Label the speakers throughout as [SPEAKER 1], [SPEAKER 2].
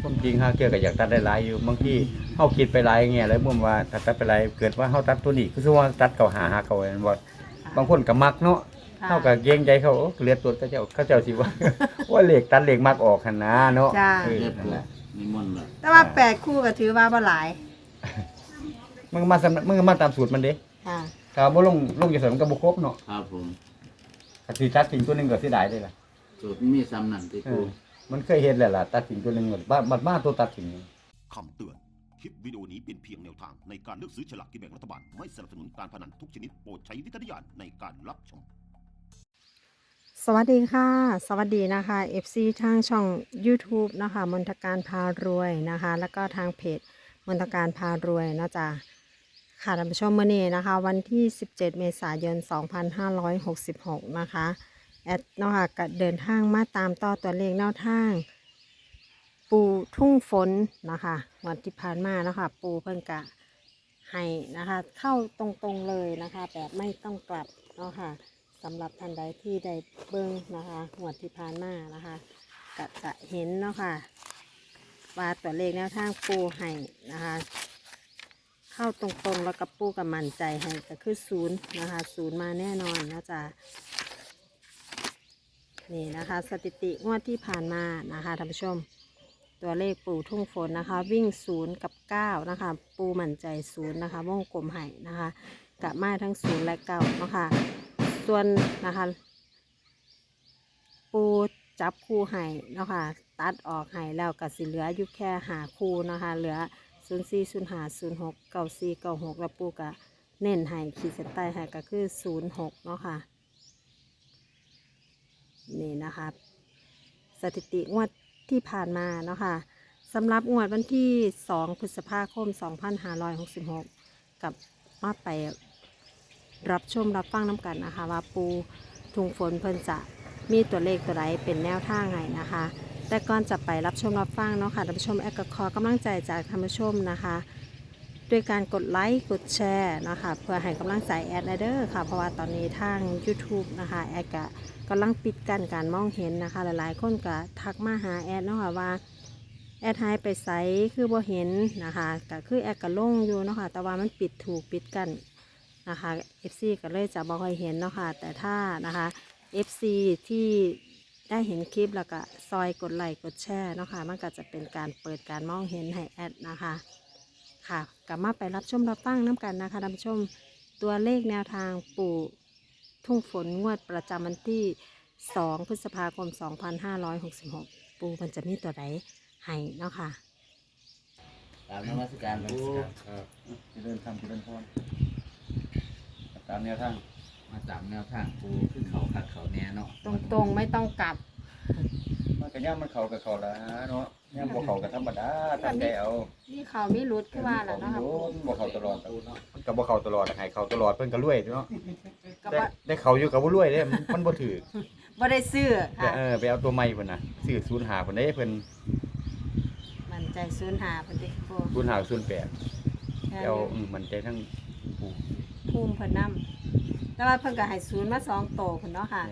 [SPEAKER 1] ความจริงฮะเกี่ยวกับอยากตัดได้หลายอยู่บางทีเฮาคิดไปหลายแง่แล้วมุมว่าถ้าตัดไปหลายเกิดว่าเฮาตัดตัวนี้คือว่าตัดเก่าหาเก่าอันบ่บางคนก็มักเนาะเฮาก็เกรงใจเขาเหลือตัวเขาเจ้าสิว่า ว่าเลขตัดเลขมักออกหั่นนะเนาะ
[SPEAKER 2] จ้า
[SPEAKER 3] เรียบร้อยนิมนต์ละ
[SPEAKER 2] แต่ว่า8คู่ก็ถือว่าบ่หลาย
[SPEAKER 1] มันก็มาตามสูตรมันเด้
[SPEAKER 2] ค่ะ
[SPEAKER 1] ถ้าบ่ลงอยู่ซั่นมันก็บ่ครบเนาะ
[SPEAKER 3] ครับผม
[SPEAKER 1] ถ้าสิตัดทิ้งตัวหนึงก็เสียดายเด้ล่ะ
[SPEAKER 3] สูตรมีซ้ำนั่นที่
[SPEAKER 1] เอ
[SPEAKER 3] ปู
[SPEAKER 1] อมันเคยเห็นแล้วล่ะตัดทิ้งตัวหนึงบัดมาตัวตัดทิ้ง
[SPEAKER 4] คำเตือน คลิปวิดีโอนี้เป็นเพียงแนวทางในการเลือกซื้อฉลากกินแบ่งรัฐบาล ไม่สนับสนุนการพนันทุกชนิดโปรดใช้วิจารณญาณในการรับชม
[SPEAKER 2] สวัสดีค่ะ สวัสดีนะคะ FC ทางช่อง YouTube นะคะมนทการพารวยนะคะ แล้วก็ทางเพจมนทการพารวยนะจ๊ะค่ะท่านผู้ชมมื้อนี้นะคะ วันที่ 17 เมษายน 2566 นะคะแอดเนาะค่ะก็เดินทางมาตามต่อตัวเลขแนวทางปูทุ่งฝนนะคะวันที่ผ่านมาเนาะค่ะปูเพิ่นกะให้นะคะเข้าตรงๆเลยนะคะแบบไม่ต้องกลับเนาะค่ะสำหรับท่านใดที่ได้เบิ่งนะคะงวดที่ผ่านมานะคะก็จะเห็นเนาะค่ะว่าตัวเลขแนวทางปูให้นะคะเข้าตรงๆแล้วก็ปูกับมั่นใจให้ก็คือศูนย์นะคะศูนย์มาแน่นอนนะจ๊ะนี่นะคะสถิติงวดที่ผ่านมานะคะท่านผู้ชมตัวเลขปูทุ่งฝนนะคะวิ่ง0 กับ 9นะคะปูมั่นใจ0นะคะวงกลมให้นะคะกับมาทั้ง0และ9เนาะค่ะส่วนนะคะปูจับคู่ให้เนาะค่ะตัดออกให้แล้วก็สิเหลืออยู่แค่หาคู่นะคะเหลือ04 05 06 94 96แล้วปูก็เน้นให้ขีดเส้นใต้ให้ก็คือ06เนาะค่ะนี่นะคะสถิติงวดที่ผ่านมาเนาะค่ะสำหรับงวดวันที่2 พฤษภาคม 2566 กับมาไปรับชมรับฟังน้ำกันนะคะว่าปูทุ่งฝนเพิ่นจะมีตัวเลขตัวใดเป็นแนวทางไงนะคะ แต่ก่อนจะไปรับชมรับฟังเนาะค่ะท่านผู้ชมแอดก็ขอกำลังใจจากท่านผู้ชมนะคะด้วยการกดไลค์กดแชร์นะคะเพื่อให้กำลังใจแอดเด้อค่ะเพราะว่าตอนนี้ทาง YouTube นะคะแอดก็กำลังปิดกั้นการมองเห็นนะคะหลายๆคนก็ทักมาหาแอดเนาะค่ะว่าแอดหายไปไสคือบ่เห็นนะคะก็คือแอดก็ลงอยู่เนาะค่ะแต่ว่ามันปิดกั้นนะคะ FC ก็เลยจะบ่ค่อยเห็นเนาะค่ะแต่ถ้านะคะ FC ที่ได้เห็นคลิปแล้วก็ซอยกดไลค์กดแชร์เนาะค่ะมันก็จะเป็นการเปิดการมองเห็นให้แอดนะคะค่ะกลับมาไปรับชมรับฟังน้ำกันนะคะท่านผู้ชมตัวเลขแนวทางปู่ทุ่งฝนงวดประจำวันที่2 พฤษภาคม 2566 ปู่มันจะมีตัวใดให้เนาะค่ะ
[SPEAKER 3] ตามนมัสการปู
[SPEAKER 1] ครับเดินทางเดินพรตามแนวทาง
[SPEAKER 3] มาตามแนวทางปูขึ้นเขาคักเขาแน่เนาะ
[SPEAKER 2] ตรงๆไม่ต้องกลับ
[SPEAKER 1] มันก็ย่างมันเข้ากับเขาละเนาะย่างบ่เข้ากับธรรมดาทำใจเอา
[SPEAKER 2] นี่เขาไม่รุดขึ้นมาแล้วเนาะค่ะ
[SPEAKER 1] บ่เข้าตลอดมันก็บ่เข้าตลอดให้เข้าตลอดเพิ่นก็รวยเนาะ
[SPEAKER 2] ก็
[SPEAKER 1] แต่
[SPEAKER 2] ว่า
[SPEAKER 1] ได้เข้าอยู่กับบ่รวยเด้มันบ่ถือ
[SPEAKER 2] บ่ได้ซื้อค่ะ
[SPEAKER 1] ไปเอาตัวใหม่เพิ่นน่ะซื้อ05เพิ่นเด้เพิ่น
[SPEAKER 2] มันใจศูนย์หาพอดีปู
[SPEAKER 1] 05 08เอามันใจทั้งผู้
[SPEAKER 2] ภูมิเพิ่นนำแต่ว่าเพิ่นก็ให้ศูนย์มา2โตเพิ่นเนาะค่ะ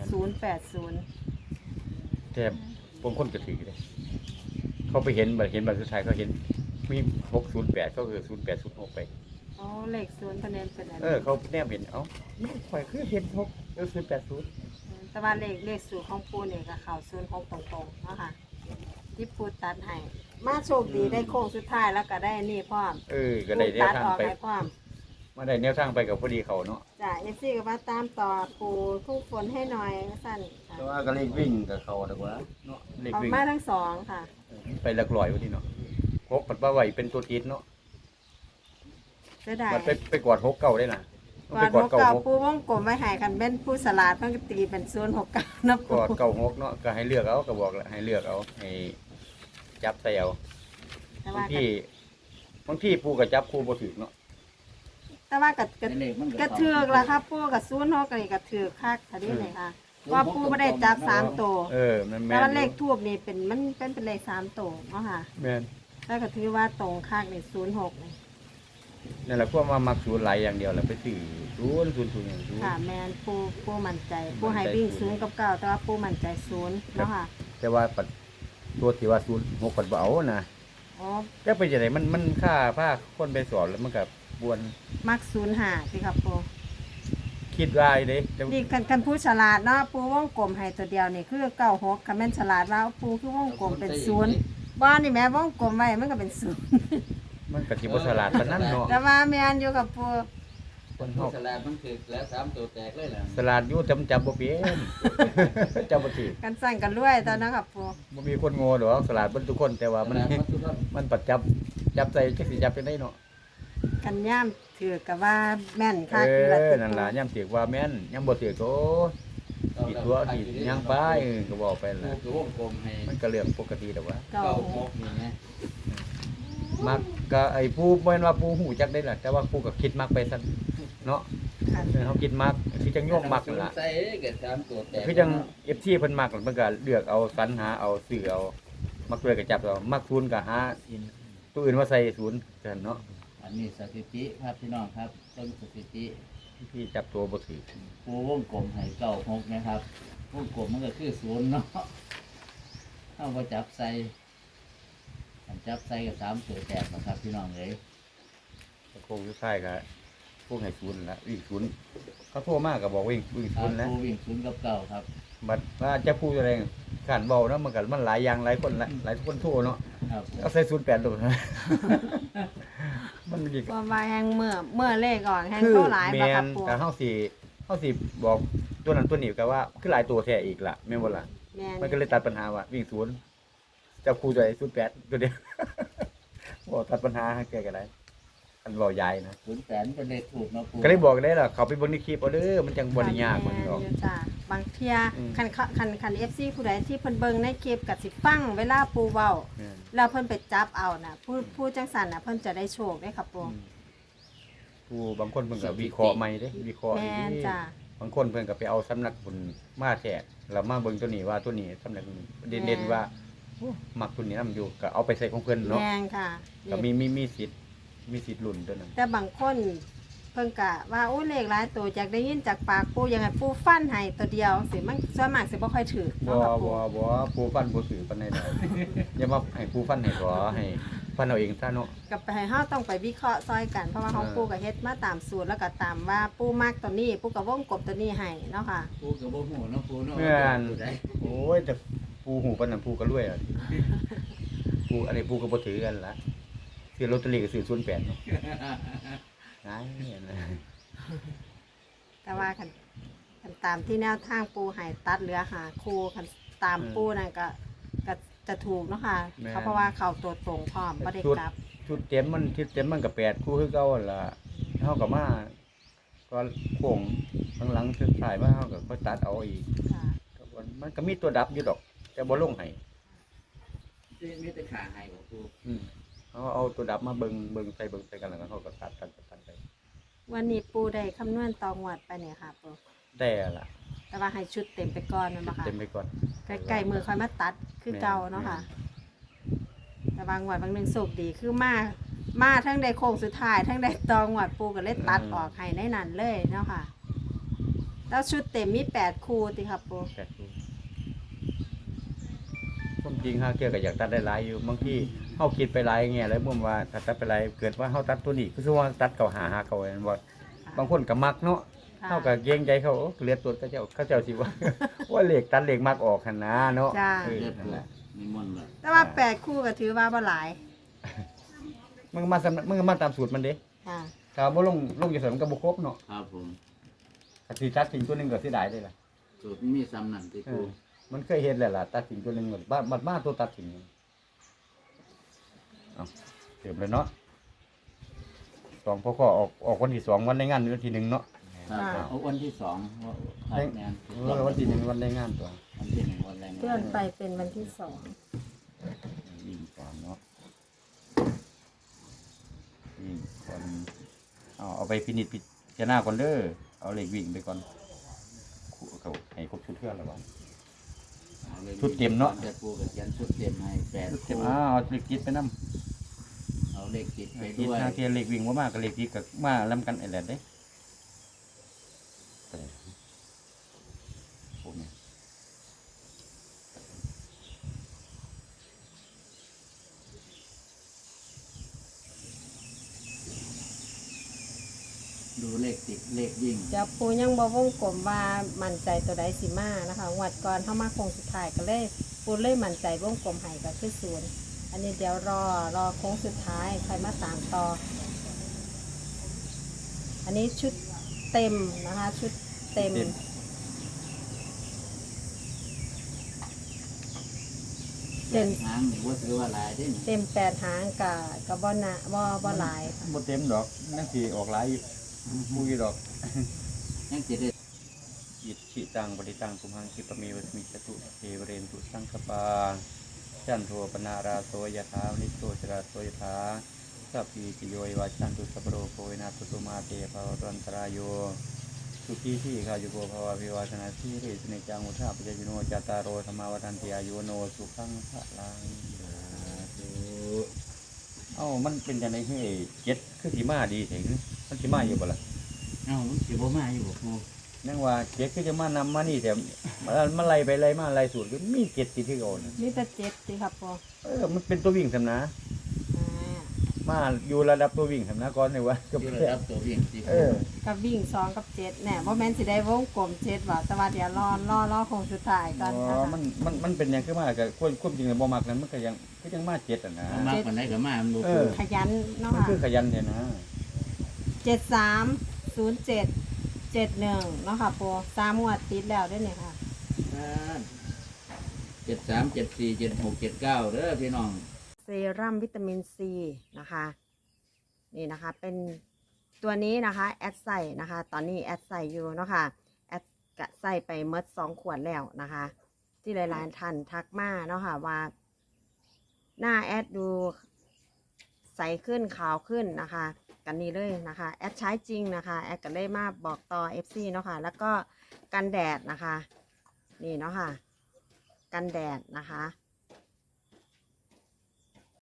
[SPEAKER 2] 080
[SPEAKER 1] แต่บางคนก็ถือเด้เขาไปเห็นบัตรสุดท้ายเขาเห็นมี608ก็คือ0806ไป
[SPEAKER 2] อ๋อเลขศูนย์เพิ่นเน้นเป็นอัน
[SPEAKER 1] เขาแนมเห็นข่อยคือเห็น080
[SPEAKER 2] แต่ว่าเลขสูตรของปูนี่ก็เข้า06ตรงๆเนาะค่ะที่ปูตัดให้มาโชคดีได้โค้งสุดท้ายแล้วก็ได้นี่พร้อม
[SPEAKER 1] ก็ได้แนว
[SPEAKER 2] ตัด
[SPEAKER 1] ทาง
[SPEAKER 2] ออก
[SPEAKER 1] ไป
[SPEAKER 2] ให้พร้อม
[SPEAKER 1] มาได้แนวทางไปกับพอดีเขาเนาะ
[SPEAKER 2] จ้ะ FC ก็มาตามต่อปูทุ่งฝนให้หน่อยว่าซั่นค่ะ
[SPEAKER 1] แต่ว่าก็เลขวิ่งกับเขาดีกว่าเนาะเลข
[SPEAKER 2] ออก
[SPEAKER 1] วิ่ง
[SPEAKER 2] มาทั้งสองค่ะ
[SPEAKER 1] ไปหลักร้อยวันนี้เนาะ6ปัดว่าไหวเป็นตัวติดเนาะ
[SPEAKER 2] เสียดาย
[SPEAKER 1] มันไปกอด6เก่าได้น่ะ
[SPEAKER 2] ก่อน6เก่าปูวงกลมไว้ให้กันเป็นผู้สลาดเพิ่นก็ตีเป็น069นะ
[SPEAKER 1] ก
[SPEAKER 2] ปู
[SPEAKER 1] อดเก่า6เนาะก็ให้เลือกเอาก็บอกแล้วให้เลือกเอาให้จับใส่เอา
[SPEAKER 2] แต่
[SPEAKER 1] บา
[SPEAKER 2] ว่าง
[SPEAKER 1] ทีปูก็จับคู่บ่ถูกเนาะ
[SPEAKER 2] แต่ว่าก็
[SPEAKER 3] ในเลขมัน
[SPEAKER 2] กระเทือกล่ะครับปูกับ06นี่กระเทือกคักทันทีเลยค่ะว่าปูบ่ได้จับ3ตัว
[SPEAKER 1] มันแม่
[SPEAKER 2] แต่
[SPEAKER 1] น
[SPEAKER 2] ว่าเลขทูบนี่เป็นมันเป็นเลข3ตัวเนาะค่ะ
[SPEAKER 1] แม่น
[SPEAKER 2] แล้วก็ถือว่าตรงคักนี่06นี่
[SPEAKER 1] นั่นแหละพวกมามักศูนย์หลายอย่างเดียวแหละไปซื้อ000อย่างศูนย์
[SPEAKER 2] ค่ะแม่นปูมั่นใจปูให้วิ่ง0กับ9แต่ว่าปูมั่นใจ0เนาะค่ะ
[SPEAKER 1] แต่ว่าปัดตัวที่ว่า06ปัดบ่เอานะ
[SPEAKER 2] อ๋อ
[SPEAKER 1] แต่ไปจังไดมันค่าพาคนไปสอนแล้วมันก็บวน
[SPEAKER 2] มัก05สิครับปู
[SPEAKER 1] คิดว่าเด้แต่
[SPEAKER 2] นี่กันผู้ฉลาดเนาะปูวงกลมให้ตัวเดียวนี่คือ96คันแม่นฉลาดว่าปูคือวงกลมเป็น0บ่นี่แม่วงกลมไว้มันก็เป็น0
[SPEAKER 1] มันก็สิบ่ฉลาดปานนั้นเนาะ
[SPEAKER 2] แต่ว่าแม่นอยู่กับปู
[SPEAKER 1] คน
[SPEAKER 3] ผู้
[SPEAKER 1] เฮา
[SPEAKER 3] ฉลาดมันถึกแล้ว3ตัวแตกเลยล่ะ
[SPEAKER 1] ฉลาดอยู่จำบ่เป็น จำบ่ถือ
[SPEAKER 2] กันสั่งกันรวยตอนนั้นครับปู
[SPEAKER 1] บ่มีคนโง่ดอกฉลาดเบิดทุกคนแต่ว่ามัน
[SPEAKER 3] ฉลาดหมดทุกคน
[SPEAKER 1] มันปัดจับใส่จักสิจับจังได๋เนาะ
[SPEAKER 2] กันย่ามถือกับว่าแม่น
[SPEAKER 1] เอ
[SPEAKER 2] ค่ะคือละ
[SPEAKER 1] อ
[SPEAKER 2] ติ
[SPEAKER 1] นั่นล่ะยามเสียกว่าแม่นยามบ่เสียกโอ้ผิดตัวผิดหยังไปก็บอกไป
[SPEAKER 3] ปู
[SPEAKER 1] ล่ะ
[SPEAKER 3] คือวงกลมให้
[SPEAKER 1] มันก็เรื่องปกติดอกว่า
[SPEAKER 2] เก้า
[SPEAKER 3] เก้า
[SPEAKER 2] ห
[SPEAKER 3] ห
[SPEAKER 2] ก
[SPEAKER 3] กนี่ไง
[SPEAKER 1] มักก็ไอ้ผู้บ่แม่นว่าผู้หูจักได้ล่ะแต่ว่าผู้ก็คิดมักไปซั่นเนาะ
[SPEAKER 2] ค่ะ
[SPEAKER 1] เฮาคิดมักคือจังโยมมักนั่นล่ะ
[SPEAKER 3] ใส่เกิด3ตัวแตก
[SPEAKER 1] คือจัง FC เพิ่นมักมันก็เลือกเอาสรรหาเอาซื้อเอามักด้วยก็จับเอามักศูนย์ก็หาตัวอื่นมาใส่ศูนย์กันเนาะ
[SPEAKER 3] อันนี้สถิติครับพี่น้องครับต้นสถิติ
[SPEAKER 1] ที่จับตัวบ่ถือ
[SPEAKER 3] ปูวงกลมให้เก้าหกนะครับวงกลมมันก็คือ0เนาะเอาบ่จับใส่อันจับใส่ก็3ตัวแตกนะครับพี่น้องเอ้ย
[SPEAKER 1] โค้งสุดท้ายก็พวกให้ศูนย์ละวิ่งศูนย์เขาโทรมาก็บอกวิ่งศู
[SPEAKER 3] ครั
[SPEAKER 1] น
[SPEAKER 3] บ
[SPEAKER 1] ย์นะ
[SPEAKER 3] ปูวิ่ง0กับเก้าครับ
[SPEAKER 1] บัดว่าจะพูดอะไรขานเบาเนาะมันก็มันหลายอย่างหลายคนหลายคนโทรเนาะ
[SPEAKER 3] ครับ
[SPEAKER 1] เอาใส่08ตัวนะ มันดี
[SPEAKER 2] ว่าว่าแฮงเมื่อเลขออกแฮง
[SPEAKER 1] คือ
[SPEAKER 2] โตหลาย
[SPEAKER 1] แม
[SPEAKER 2] บ่ครั
[SPEAKER 1] น
[SPEAKER 2] บปู
[SPEAKER 1] แต่เฮาสิบอกตัวนั้นตัวนี้ก็ว่าคือหลายตัวแท้อีกล่ะแม่นบ่ล่ะ
[SPEAKER 2] แม่น
[SPEAKER 1] มันก็เลยตัดปัญหาว่าวิ่งศูนย์จะคู่ใจ08ตัวเดียว บ่ตัดปัญหาให้แก้ก็ได้อันเว้ายายนะ
[SPEAKER 3] 08เป็นเลขถูกเนาะปู
[SPEAKER 1] ก็เลยบอกได้ล่ะเขาไปเบิ่งในคลิปเอาเด้อมันจังบ่ได้ยากมันดอก
[SPEAKER 2] แม่นอยู่จ้ะบางเที่ย
[SPEAKER 1] อืม
[SPEAKER 2] คัน FC ผู้ใดที่เพิ่นเบิ่งในคลิปก็สิฟังเวลาปูเว้า
[SPEAKER 1] แม่น
[SPEAKER 2] แล้วเพิ่นไปจับเอาน่ะผู้จังสันน่ะเพิ่นจะได้โชคได้ครับปู
[SPEAKER 1] ผู้บางคนเพิ่นก็วิเคราะห์ใหม่เด้วิเคราะห์
[SPEAKER 2] แม่นจ้ะ
[SPEAKER 1] บางคนเพิ่นก็ไปเอาสำนักบุญมาแท้แล้วมาเบิ่งตัวนี้ว่าตัวนี้สำนักนี้เด่นๆว่าโอ้มักตัวนี้นํอยู่ก็เอาไปใส่ของเพิ่นเนาะ
[SPEAKER 2] แม่นค่ะ
[SPEAKER 1] ก็มีสิทธิ์ลุ้นตัวนั้น
[SPEAKER 2] แต่บางคนเพิ่นก็ว่าโอ้เลขหลายตัวอยากได้ยินจากปากปูยังไงปูฟันให้ตัวเดียวสิมันส่วนมากสิบ่ค่อยถือ
[SPEAKER 1] บ่
[SPEAKER 2] เนาะครับปู
[SPEAKER 1] บ่ผู้ฟันบ่ถือปานใดดอก อย่ามาให้ผู้ฟันให้ขอให้ฟันเอาเองซะเนาะ
[SPEAKER 2] กับไปให้เฮาต้องไปวิเคราะห์ซอยกันเพราะว่าของปูก็เฮ็ดมาตามสูตรแล้วก็ตามว่าปูมักตัวนี้ปูก็วงกบตัวนี้ให้เนาะค่ะ
[SPEAKER 3] ปูกับบ่หูเนาะปูเนาะ
[SPEAKER 1] แม่น
[SPEAKER 3] ปูได้
[SPEAKER 1] โอ้ยแต่ผู้หูปานนั้นผู้ก็รวยอ่ะผู้อันนี้ผู้ก็บ่ถือกันล่ะซื้อลอตเตอรี่ก็ซื้อ08เนาะหายนะ
[SPEAKER 2] แต่ว่าคันตามที่แนวทางปูให้ตัดเหลือหาคู่คันตามปูนั่นก็จะถูกเนาะค่ะเพราะว่าเขาตัวตรงพร้อมบ่ได้กลับ
[SPEAKER 1] ชุดเต็มมันก็8คู่คือเก่าหั่นล่ะเฮาก็มาก็โค้งหลังๆสุดท้ายมาเฮาก็ค่อยตัดเอาอีก
[SPEAKER 2] ค่ะ
[SPEAKER 1] ก็บ่มันก็มีตัวดับอยู่ดอกแต่บ่ลงให้
[SPEAKER 3] มีแต่ขาให้ของปู
[SPEAKER 1] เอาตัวดับมาเบิ่งใส่กันแล้วก็เฮาก็ตัดไป
[SPEAKER 2] วันนี้ปูได้คำนวณตองวดไปเนี่ยค่ะปู
[SPEAKER 1] ได้ล่ะ
[SPEAKER 2] แต่ว่าให้ชุดเต็มไปก่อนแมันบ่ค่ะ
[SPEAKER 1] เต็มไปก่อน
[SPEAKER 2] ใกล้ๆมือค่อยมาตัดคือเก่าเนาะค่ะ แต่บางงวดบางหนึงโชคดีคือมาทั้งได้โค้งสุดท้ายทั้งได้ตองวดปูก็เลยตัดออกให้ในนั้นเลยเนาะค่ะ แล้วชุดเต็มมี8คู่ติครับปู
[SPEAKER 1] แปดคู่ความจริงฮะเกี่ยวก็อยากตัดได้หลายอยู่บางทีเฮาคิดไปหลายแง่แล้วมุมว่าถ้าตัดไปหลายเกิดว่าเฮาตัดตัวนี้คือว่าตัดเก่าหาเก่าแม่นบ่บางคนก็มักเนาะ
[SPEAKER 2] ค่ะ
[SPEAKER 1] เฮาก็เกรงใจเขาโอ้เหลือตัวเขาเจ้าสิว่า ว่าเลขตัดเลขมักออกหั่นนะเนาะ
[SPEAKER 2] จ้า
[SPEAKER 1] เออ
[SPEAKER 3] เรียบ
[SPEAKER 1] นั่น
[SPEAKER 3] ร้อ
[SPEAKER 1] แห
[SPEAKER 3] ย
[SPEAKER 1] ละ
[SPEAKER 3] มีมนต์เลย
[SPEAKER 2] แต่ว่า8คู่ก็ถือว่าบ่หลาย
[SPEAKER 1] มันก็มาตามสูตรมันเด้
[SPEAKER 2] ค่ะ
[SPEAKER 1] ถ้าบ่ลงอยู่ซั่นมันก็บ่ครบเนาะ
[SPEAKER 3] ครับผม
[SPEAKER 1] ถ้าสิตัดทิ้งตัวหนึงก็เสียดายเด้ล่ะ
[SPEAKER 3] สูตรมีซ้ำนั่นที่
[SPEAKER 1] เอ
[SPEAKER 3] ปู
[SPEAKER 1] อมันเคยเห็นแล้วล่ะตัดทิ้งตัวหนึงบ้านตัวตัดทิ้งเอาเต็มเลยเนาะสองพ่อข้อออกวันที่2วันในงานวันที่1เนาะ
[SPEAKER 3] ครับเอาวันที่2ครับแม่น
[SPEAKER 1] วันที่1วันในงานตัว
[SPEAKER 3] วันที่1วันแรงงาน
[SPEAKER 2] เลื่อนไปเป็นวันที่2
[SPEAKER 1] วิ่งก่อนเนาะวิ่งก่อนเอาไปพินิจพิจารณาก่อนเด้อเอาเลขวิ่งไปก่อนเขาให้ครบชุดเพื่อนแล้ววะ
[SPEAKER 3] อาลย
[SPEAKER 1] ชุดเต็มเนาะ
[SPEAKER 3] แต่ปูกับเขียนชุดเต็มให้8
[SPEAKER 1] เต็
[SPEAKER 3] คู่
[SPEAKER 1] มเอาเลขจิตไปนำ
[SPEAKER 3] เอาเลขติดไป
[SPEAKER 1] จิต
[SPEAKER 3] ด้วย
[SPEAKER 1] ทางเทียนเลขวิ่งบ่มากกับเลขจิตก็มาลำกันไอ้แหละเด้พวกนี้
[SPEAKER 3] ดูเลขติดเลขวิ่ง
[SPEAKER 2] จะปูยังบ่วงกลมว่ามั่นใจตัวใดสิมานะคะงวดก่อนเข้ามาโค้งสุดท้ายก็เลยปูเลยมั่นใจวงกลมให้ก็คือศูนย์อันนี้เดี๋ยวรอโค้งสุดท้ายใครมาตามต่อ อันนี้ชุดเต็มนะคะ ชุดเต็ม เต็ม
[SPEAKER 3] หางนี่ว่าถือว่าหลายเด้นี่
[SPEAKER 2] เต็ม8 หางกับบ่นะบ่หลายค่ะ
[SPEAKER 1] บ่เต็มดอกนั่นสิออกหลายอยู่มุ้ยดอก
[SPEAKER 3] ยังจะได้
[SPEAKER 1] อิทธิตังปฏิตังกุมหังคิปะเมวสมิจตุเทวเรนตุสังคปาจันโทปนาราโสยถานิโตจราโสยถาสัพพีติโยวิวัชชันตุสัพพโรโควินาศตุมาเตภวรันตรายโยสุขีที่ข้ายุโกภวะพิวาสนาสีเรสเนจังอุทาปจยุโนจตารโรธรรมาวันติอายุโนสุขังพระลังเอ้ามันเป็นจังได๋เฮ้ยเจ็ดคือสิมาดีแท้มันสิมาอยู่บ่ล่ะ
[SPEAKER 3] เอ้ามันสิบ่มาอยู่บ่ครู
[SPEAKER 1] นั่งว่าเจ็ดก็จะมานำมานี่แต่มาไล่ไปไล่มาไล่สูตรก็มีเจ็ดติดที่ก่อน
[SPEAKER 2] นี่แต่7สิครับปู
[SPEAKER 1] มันเป็นตัววิ่งสำนะ
[SPEAKER 2] อ่า
[SPEAKER 1] มาอยู่ระดับตัววิ่งสำนะก่อนเลยว่าก็
[SPEAKER 3] ที่ระดับตัววิ่งสิ
[SPEAKER 2] กับวิ่ง2กับ7แน่บ่แม่นสิได้วงกลม7ว่าแต่ว่าเดี๋ยวรอโค้งสุดท้ายก่อน
[SPEAKER 1] อ๋
[SPEAKER 2] นะ
[SPEAKER 1] อ
[SPEAKER 2] คะ
[SPEAKER 1] มันเป็นอย่างคือมากับควบจริงเลยบ่มักนั้นมันก็ยังมาเจ็ดอ่ะนะ
[SPEAKER 3] เอามากกว่าไหนก็มามันบ่
[SPEAKER 1] เอ
[SPEAKER 3] ครู
[SPEAKER 1] อ
[SPEAKER 2] ขยันเนาะ
[SPEAKER 1] มัน
[SPEAKER 2] ค่ะ
[SPEAKER 1] คือขยันเนี่ยนะ
[SPEAKER 2] 730771เนาะค่ะปู3งวดติดแล้วเด้อเนี่ยค่ะ
[SPEAKER 3] 73 74 76 79เด้อพี่น้อง
[SPEAKER 2] เซรั่มวิตามินซีนะคะนี่นะคะเป็นตัวนี้นะคะแอดใส่นะคะตอนนี้แอดใส่อยู่เนาะค่ะแอดกะใส่ไปเมด2 ขวดแล้วนะคะ ที่หลายๆท่านทักมาเนาะค่ะว่าหน้าแอดดูใสขึ้นขาวขึ้นนะคะกันนี้เลยนะคะแอดใช้จริงนะคะแอดก็เลยมาบอกต่อ FC เนาะค่ะแล้วก็กันแดดนะคะนี่เนาะค่ะกันแดดนะคะ